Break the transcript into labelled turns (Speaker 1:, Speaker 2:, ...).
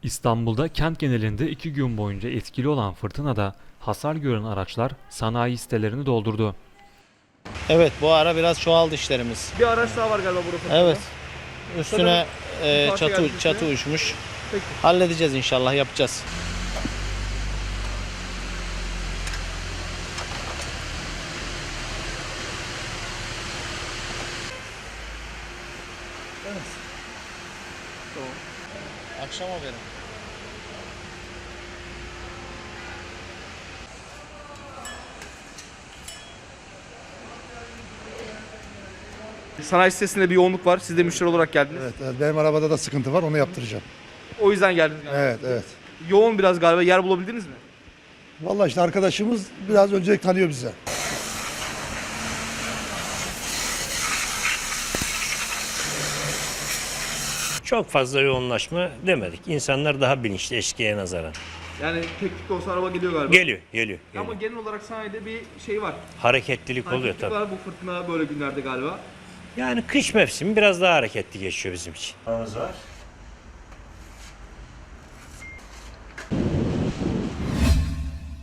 Speaker 1: İstanbul'da kent genelinde 2 gün boyunca etkili olan fırtınada hasar gören araçlar sanayi sitelerini doldurdu.
Speaker 2: Evet, bu ara biraz çoğaldı işlerimiz.
Speaker 3: Bir araç daha var galiba burada fırtınada.
Speaker 2: Evet. Üstüne
Speaker 3: bir parça geldi üstüne.
Speaker 2: çatı uçmuş.
Speaker 3: Peki.
Speaker 2: Halledeceğiz inşallah, yapacağız.
Speaker 3: Tamam.
Speaker 2: Akşam haberi.
Speaker 3: Sanayi sitesinde bir yoğunluk var. Siz de müşteri olarak geldiniz.
Speaker 4: Evet, benim arabada da sıkıntı var, onu yaptıracağım.
Speaker 3: O yüzden geldiniz galiba.
Speaker 4: Evet, evet.
Speaker 3: Yoğun biraz galiba. Yer bulabildiniz mi?
Speaker 4: Vallahi işte arkadaşımız biraz öncelik tanıyor bize.
Speaker 5: Çok fazla yoğunlaşma demedik. İnsanlar daha bilinçli eskiye nazaran.
Speaker 3: Yani tek tük olsa araba geliyor galiba.
Speaker 5: Geliyor.
Speaker 3: Ama genel olarak sanayide bir şey var.
Speaker 5: Hareketlilik oluyor
Speaker 3: Hareketlik
Speaker 5: tabii.
Speaker 3: var bu fırtına böyle günlerde galiba.
Speaker 5: Yani kış mevsimi biraz daha hareketli geçiyor bizim için. Var.